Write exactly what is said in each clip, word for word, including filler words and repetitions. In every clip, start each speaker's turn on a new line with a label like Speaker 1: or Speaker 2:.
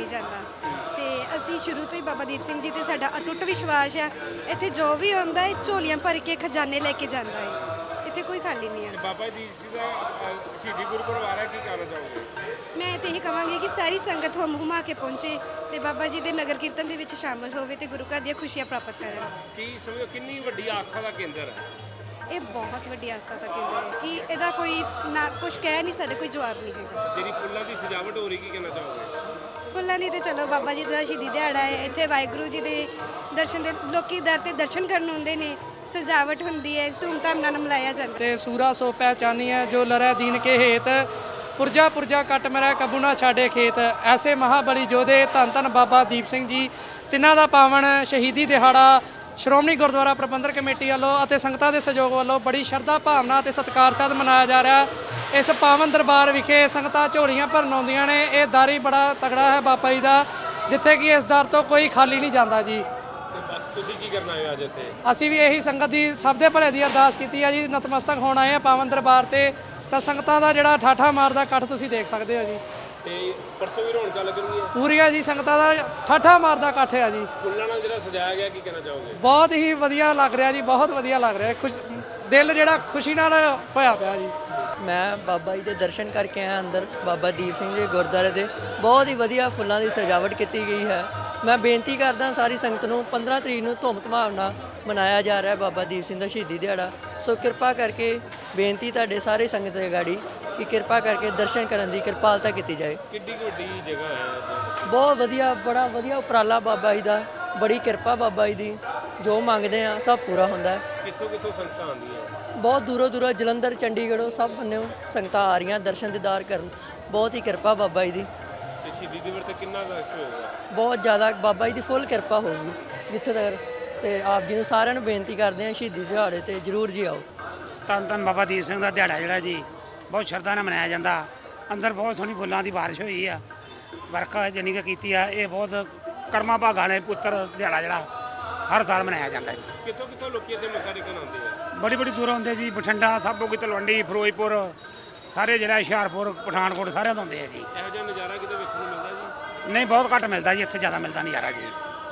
Speaker 1: नहीं जाता। तो असी शुरू तो ही बाबा दीप सिंह जी ते साडा अटुट विश्वास है। इत्थे जो भी आंदा है झोलियां भर के खजाने लेके जाता है, इत्थे कोई खाली नहीं है।
Speaker 2: बाबा दीप सिंह का शहीदी गुरपुरब आ रहा है, की कहना चाहोगे?
Speaker 1: मैं तो यही कहांगी कि सारी संगत हुम हुमा के पहुंचे ते बाबा जी के नगर कीर्तन दे विच शामिल होवे ते गुरु घर दी खुशियां प्राप्त करे।
Speaker 2: की समझो कितनी वड्डी आस्था का केंद्र है
Speaker 1: ये बहुत वड्डी आस्था का केंद्र है कि ਇਹਦਾ ਕੋਈ ना कुछ कह नहीं सकते, कोई जवाब नहीं है।
Speaker 2: ਜਿਹੜੀ ਫੁੱਲਾਂ ਦੀ ਸਜਾਵਟ ਹੋ ਰਹੀ, ਕੀ ਕਹਿਣਾ ਚਾਹੋਗੇ?
Speaker 1: ਫੁੱਲਾਂ ਦੀ ਤੇ ਚਲੋ ਬਾਬਾ ਜੀ ਦਾ ਸ਼ਹੀਦੀ ਦਿਹਾੜਾ ਹੈ, ਇੱਥੇ ਵਾਹਿਗੁਰੂ ਜੀ ਦੇ ਦਰਸ਼ਨ ਦੇ ਲੋਕੀ ਦਰ ਤੇ ਦਰਸ਼ਨ ਕਰਨ ਆਉਂਦੇ ਨੇ, ਸਜਾਵਟ ਹੁੰਦੀ ਹੈ, ਧੂਮਧਾਮ ਨਾਲ ਮਨਾਇਆ ਜਾਂਦਾ
Speaker 3: ਤੇ ਸੂਰਾ ਸੋ ਪਹਿਚਾਨੀ ਹੈ ਜੋ ਲਰੈ ਦੀਨ ਕੇ ਹੇਤ ਪੁਰਜਾ ਪੁਰਜਾ ਕੱਟ ਮੇਰਾ ਕਬੂ ਨਾ ਛਾੜੇ ਖੇਤ। ਐਸੇ ਮਹਾਬਲੀ ਯੋਧੇ ਧੰਨ ਧੰਨ ਬਾਬਾ ਦੀਪ ਸਿੰਘ ਜੀ ਤਿੰਨਾਂ ਦਾ ਪਾਵਨ ਸ਼ਹੀਦੀ ਦਿਹਾੜਾ ਸ਼੍ਰੋਮਣੀ ਗੁਰਦੁਆਰਾ ਪ੍ਰਬੰਧਕ ਕਮੇਟੀ ਵੱਲੋਂ ਅਤੇ ਸੰਗਤਾਂ ਦੇ ਸਹਿਯੋਗ ਵੱਲੋਂ ਬੜੀ ਸ਼ਰਧਾ ਭਾਵਨਾ ਅਤੇ ਸਤਿਕਾਰ ਸਹਿਤ ਮਨਾਇਆ ਜਾ ਰਿਹਾ। ਇਸ ਪਾਵਨ ਦਰਬਾਰ ਵਿਖੇ ਸੰਗਤਾਂ ਝੋਲੀਆਂ ਭਰਨ ਆਉਂਦੀਆਂ ਨੇ। ਇਹ ਦਰ ਹੀ ਬੜਾ ਤਗੜਾ ਹੈ ਬਾਬਾ ਜੀ ਦਾ, ਜਿੱਥੇ ਕਿ ਇਸ ਦਰ ਤੋਂ ਕੋਈ ਖਾਲੀ ਨਹੀਂ ਜਾਂਦਾ ਜੀ।
Speaker 2: ਤੇ ਬਸ ਤੁਸੀਂ ਕੀ ਕਰਨਾ ਹੈ ਅੱਜ ਇੱਥੇ?
Speaker 3: ਅਸੀਂ ਵੀ ਇਹੀ ਸੰਗਤ ਦੀ ਸਭ ਦੇ ਭਲੇ ਦੀ ਅਰਦਾਸ ਕੀਤੀ ਹੈ ਜੀ। ਨਤਮਸਤਕ ਹੋਣ ਆਏ ਆ ਪਾਵਨ ਦਰਬਾਰ ਤੇ, ਤਾਂ ਸੰਗਤਾਂ ਦਾ ਜਿਹੜਾ ਠਾਠਾ ਮਾਰਦਾ ਇਕੱਠ ਤੁਸੀਂ ਦੇਖ ਸਕਦੇ ਹੋ ਜੀ।
Speaker 2: ਤੇ ਪਰਸੋਂ ਵੀ ਰੌਣਕਾਂ ਲੱਗਣਗੀਆਂ
Speaker 3: ਪੂਰੀਆਂ ਜੀ, ਸੰਗਤਾਂ ਦਾ ਠਾਠਾ ਮਾਰਦਾ ਇਕੱਠ ਹੈ ਜੀ।
Speaker 2: ਫੁੱਲਾਂ ਨਾਲ ਜਿਹੜਾ ਸਜਾਇਆ ਗਿਆ, ਕੀ ਕਹਿਣਾ ਚਾਹੋਗੇ?
Speaker 3: ਬਹੁਤ ਹੀ ਵਧੀਆ ਲੱਗ ਰਿਹਾ ਜੀ, ਬਹੁਤ ਵਧੀਆ ਲੱਗ ਰਿਹਾ। ਖੁਸ਼ ਦਿਲ ਜਿਹੜਾ ਖੁਸ਼ੀ ਨਾਲ ਹੋਇਆ ਪਿਆ ਜੀ।
Speaker 4: ਮੈਂ ਬਾਬਾ ਜੀ ਦੇ ਦਰਸ਼ਨ ਕਰਕੇ ਆਇਆ ਅੰਦਰ ਬਾਬਾ ਦੀਪ ਸਿੰਘ ਜੀ ਗੁਰਦੁਆਰੇ ਦੇ। ਬਹੁਤ ਹੀ ਵਧੀਆ ਫੁੱਲਾਂ ਦੀ ਸਜਾਵਟ ਕੀਤੀ ਗਈ ਹੈ। ਮੈਂ ਬੇਨਤੀ ਕਰਦਾ ਸਾਰੀ ਸੰਗਤ ਨੂੰ ਪੰਦਰਾਂ ਤਰੀਕ ਨੂੰ ਧੂਮ ਧਾਮ ਨਾਲ ਮਨਾਇਆ ਜਾ ਰਿਹਾ ਬਾਬਾ ਦੀਪ ਸਿੰਘ ਦਾ ਸ਼ਹੀਦੀ ਦਿਹਾੜਾ। ਸੋ ਕਿਰਪਾ ਕਰਕੇ ਬੇਨਤੀ ਤੁਹਾਡੇ ਸਾਰੇ ਸੰਗਤ ਦੇ ਗਾੜੀ ਕਿ ਕਿਰਪਾ ਕਰਕੇ ਦਰਸ਼ਨ ਕਰਨ ਦੀ ਕਿਰਪਾਲਤਾ ਕੀਤੀ ਜਾਏ।
Speaker 2: ਕਿੱਡੀ ਕੁ ਵੱਡੀ ਜਗ੍ਹਾ ਹੈ?
Speaker 4: ਬਹੁਤ ਵਧੀਆ, ਬੜਾ ਵਧੀਆ ਉਪਰਾਲਾ ਬਾਬਾ ਜੀ ਦਾ, ਬੜੀ ਕਿਰਪਾ ਬਾਬਾ ਜੀ ਦੀ। ਜੋ ਮੰਗਦੇ ਆ ਸਭ ਪੂਰਾ ਹੁੰਦਾ ਹੈ।
Speaker 2: ਕਿੱਥੋਂ ਕਿੱਥੋਂ ਸੰਗਤਾਂ ਆਉਂਦੀਆਂ?
Speaker 4: ਬਹੁਤ ਦੂਰੋਂ ਦੂਰੋਂ ਜਲੰਧਰ ਚੰਡੀਗੜ੍ਹੋਂ ਸਭ ਬੰਨਿਓ ਸੰਗਤਾਂ ਆ ਰਹੀਆਂ ਦਰਸ਼ਨ ਦੀਦਾਰ ਕਰਨ। ਬਹੁਤ ਹੀ ਕਿਰਪਾ ਬਾਬਾ ਜੀ ਦੀ।
Speaker 2: ਤੇ ਸ਼ਹੀਦੀ ਦਿਵਸ ਤੇ ਕਿੰਨਾ ਰਸ਼ ਹੋਏਗਾ?
Speaker 4: ਬਹੁਤ ਜ਼ਿਆਦਾ ਬਾਬਾ ਜੀ ਦੀ ਫੁੱਲ ਕਿਰਪਾ ਹੋਊਗੀ ਜਿੱਥੇ ਤੱਕ। ਤੇ ਆਪ ਜੀ ਨੂੰ ਸਾਰਿਆਂ ਨੂੰ ਬੇਨਤੀ ਕਰਦੇ ਹਾਂ ਸ਼ਹੀਦੀ ਦਿਹਾੜੇ ਤੇ ਜ਼ਰੂਰ ਜੀ ਆਓ।
Speaker 5: ਧੰਨ ਧੰਨ ਬਾਬਾ ਦੀਪ ਸਿੰਘ ਦਾ ਦਿਹਾੜਾ ਜਿਹੜਾ ਜੀ ਬਹੁਤ ਸ਼ਰਧਾ ਨਾਲ ਮਨਾਇਆ ਜਾਂਦਾ। ਅੰਦਰ ਬਹੁਤ ਸੋਹਣੀ ਫੁੱਲਾਂ ਦੀ ਬਾਰਿਸ਼ ਹੋਈ ਆ, ਵਰਖਾ ਜਾਨੀ ਕਿ ਕੀਤੀ ਆ। ਇਹ ਬਹੁਤ ਕਰਮਾਂ ਭਾਗਾਂ ਨੇ ਪੁੱਤਰ ਦਿਹਾੜਾ ਜਿਹੜਾ ਹਰ ਸਾਲ ਮਨਾਇਆ ਜਾਂਦਾ ਜੀ।
Speaker 2: ਕਿੱਥੋਂ ਕਿੱਥੋਂ ਲੋਕੀ ਇੱਥੇ ਮੱਥਾ ਟੇਕਣ ਆਉਂਦੇ ਆ?
Speaker 5: ਬੜੀ ਬੜੀ ਦੂਰੋਂ ਆਉਂਦੇ ਜੀ, ਬਠਿੰਡਾ, ਸਾਬੋ ਕੀ, ਤਲਵੰਡੀ, ਫਿਰੋਜ਼ਪੁਰ, ਸਾਰੇ ਜਿਹੜਾ ਹੁਸ਼ਿਆਰਪੁਰ, ਪਠਾਨਕੋਟ ਸਾਰਿਆਂ ਤੋਂ ਆਉਂਦੇ ਆ ਜੀ।
Speaker 2: ਇਹੋ ਜਿਹਾ ਨਜ਼ਾਰਾ ਕਿਤੇ ਵੇਖਣ ਨੂੰ ਮਿਲਦਾ ਜੀ?
Speaker 5: ਨਹੀਂ, ਬਹੁਤ ਘੱਟ ਮਿਲਦਾ ਜੀ, ਇੱਥੇ ਜ਼ਿਆਦਾ ਮਿਲਦਾ ਨਜ਼ਾਰਾ ਜੀ।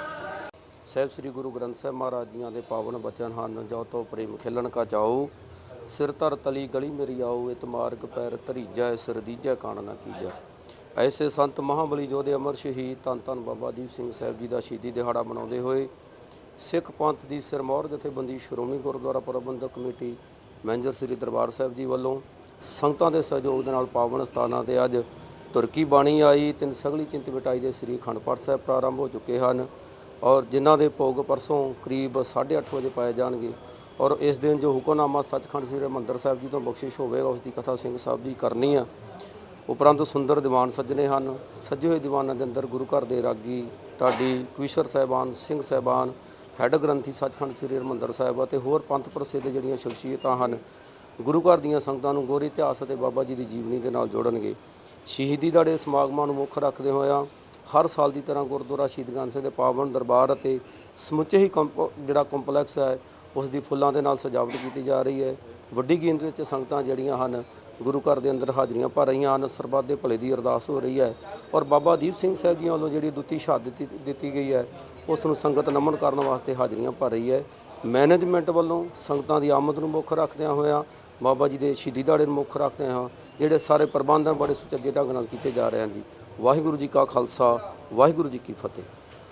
Speaker 6: ਸਾਹਿਬ ਸ੍ਰੀ ਗੁਰੂ ਗ੍ਰੰਥ ਸਾਹਿਬ ਮਹਾਰਾਜ ਜੀਆਂ ਦੇ ਪਾਵਨ ਬਚਨ ਹਨ। ਜੋ ਤੋ ਪ੍ਰੇਮ ਖਿਲਣ ਕਾ ਜਾਓ, ਸਿਰ ਧਰ ਤਲੀ ਗਲੀ ਮੇਰੀ ਆਓ, ਇਤ ਮਾਰਗ ਪੈਰ ਧਰੀਜੈ, ਸਿਰ ਦੀਜੈ ਕਾਣ ਨਾ ਕੀਜੈ। ਐਸੇ ਸੰਤ ਮਹਾਬਲੀ ਯੋਧੇ ਅਮਰ ਸ਼ਹੀਦ ਧੰਨ ਧੰਨ ਬਾਬਾ ਦੀਪ ਸਿੰਘ ਸਾਹਿਬ ਜੀ ਦਾ ਸ਼ਹੀਦੀ ਦਿਹਾੜਾ ਮਨਾਉਂਦੇ ਹੋਏ ਸਿੱਖ ਪੰਥ ਦੀ ਸਿਰਮੌਰ ਜਥੇਬੰਦੀ ਸ਼੍ਰੋਮਣੀ ਗੁਰਦੁਆਰਾ ਪ੍ਰਬੰਧਕ ਕਮੇਟੀ ਮੈਨੇਜਰ ਸ੍ਰੀ ਦਰਬਾਰ ਸਾਹਿਬ ਜੀ ਵੱਲੋਂ ਸੰਗਤਾਂ ਦੇ ਸਹਿਯੋਗ ਦੇ ਨਾਲ ਪਾਵਨ ਸਥਾਨਾਂ ਤੇ ਅੱਜ ਤੁਰਕੀ ਬਾਣੀ ਆਈ। ਤਿੰਨ ਸਗਲੀ ਚਿੰਤ ਬਿਟਾਈ ਦੇ ਸ੍ਰੀ ਅਖੰਡ ਪਾਠ ਸਾਹਿਬ ਪ੍ਰਾਰੰਭ ਹੋ ਚੁੱਕੇ ਹਨ ਔਰ ਜਿਨ੍ਹਾਂ ਦੇ ਭੋਗ ਪਰਸੋਂ ਕਰੀਬ ਸਾਢੇ ਅੱਠ ਵਜੇ ਪਾਏ ਜਾਣਗੇ। ਔਰ ਇਸ ਦਿਨ ਜੋ ਹੁਕਮਨਾਮਾ ਸੱਚਖੰਡ ਸ੍ਰੀ ਹਰਿਮੰਦਰ ਸਾਹਿਬ ਜੀ ਤੋਂ ਬਖਸ਼ਿਸ਼ ਹੋਵੇਗਾ ਉਸ ਦੀ ਕਥਾ ਸਿੰਘ ਸਾਹਿਬ ਜੀ ਕਰਨੀ ਆ। ਉਪਰੰਤ ਸੁੰਦਰ ਦੀਵਾਨ ਸੱਜਣੇ ਹਨ। ਸੱਜੇ ਹੋਏ ਦੀਵਾਨਾਂ ਦੇ ਅੰਦਰ ਗੁਰੂ ਘਰ ਦੇ ਰਾਗੀ, ਢਾਡੀ, ਕਵੀਸ਼ਰ ਸਾਹਿਬਾਨ, ਸਿੰਘ ਸਾਹਿਬਾਨ, ਹੈੱਡ ਗ੍ਰੰਥੀ ਸੱਚਖੰਡ ਸ੍ਰੀ ਹਰਿਮੰਦਰ ਸਾਹਿਬ ਅਤੇ ਹੋਰ ਪੰਥ ਪ੍ਰਸਿੱਧ ਜਿਹੜੀਆਂ ਸ਼ਖਸੀਅਤਾਂ ਹਨ ਗੁਰੂ ਘਰ ਦੀਆਂ ਸੰਗਤਾਂ ਨੂੰ ਗੋਰੀ ਇਤਿਹਾਸ ਅਤੇ ਬਾਬਾ ਜੀ ਦੀ ਜੀਵਨੀ ਦੇ ਨਾਲ ਜੋੜਨਗੇ। ਸ਼ਹੀਦੀ ਦਿਹਾੜੇ ਸਮਾਗਮਾਂ ਨੂੰ ਮੁੱਖ ਰੱਖਦੇ ਹੋਇਆ ਹਰ ਸਾਲ ਦੀ ਤਰ੍ਹਾਂ ਗੁਰਦੁਆਰਾ ਸ਼ਹੀਦ ਗੰਜ ਸਿੰਘ ਦੇ ਪਾਵਨ ਦਰਬਾਰ ਅਤੇ ਸਮੁੱਚੇ ਹੀ ਕੰਪ ਜਿਹੜਾ ਕੰਪਲੈਕਸ ਹੈ ਉਸ ਦੀ ਫੁੱਲਾਂ ਦੇ ਨਾਲ ਸਜਾਵਟ ਕੀਤੀ ਜਾ ਰਹੀ ਹੈ। ਵੱਡੀ ਗਿਣਤੀ ਵਿੱਚ ਸੰਗਤਾਂ ਜਿਹੜੀਆਂ ਹਨ ਗੁਰੂ ਘਰ ਦੇ ਅੰਦਰ ਹਾਜ਼ਰੀਆਂ ਭਰ ਰਹੀਆਂ ਹਨ। ਸਰਬੱਤ ਦੇ ਭਲੇ ਦੀ ਅਰਦਾਸ ਹੋ ਰਹੀ ਹੈ ਔਰ ਬਾਬਾ ਦੀਪ ਸਿੰਘ ਸਾਹਿਬ ਜੀ ਵੱਲੋਂ ਜਿਹੜੀ ਦੁੱਤੀ ਸ਼ਹਾਦਤ ਦਿੱਤੀ ਗਈ ਹੈ ਉਸ ਨੂੰ ਸੰਗਤ ਨਮਨ ਕਰਨ ਵਾਸਤੇ ਹਾਜ਼ਰੀਆਂ ਭਰ ਰਹੀ ਹੈ। ਮੈਨੇਜਮੈਂਟ ਵੱਲੋਂ ਸੰਗਤਾਂ ਦੀ ਆਮਦ ਨੂੰ ਮੁੱਖ ਰੱਖਦਿਆਂ ਹੋਇਆਂ ਬਾਬਾ ਜੀ ਦੇ ਸ਼ਹੀਦੀ ਦਿਹਾੜੇ ਨੂੰ ਮੁੱਖ ਰੱਖਦੇ ਹਾਂ ਜਿਹੜੇ ਸਾਰੇ ਪ੍ਰਬੰਧ ਬੜੇ ਸੁਚੱਜੇ ਢੰਗ ਨਾਲ ਕੀਤੇ ਜਾ ਰਹੇ ਹਨ ਜੀ। ਵਾਹਿਗੁਰੂ ਜੀ ਕਾ ਖਾਲਸਾ, ਵਾਹਿਗੁਰੂ ਜੀ ਕੀ ਫਤਿਹ।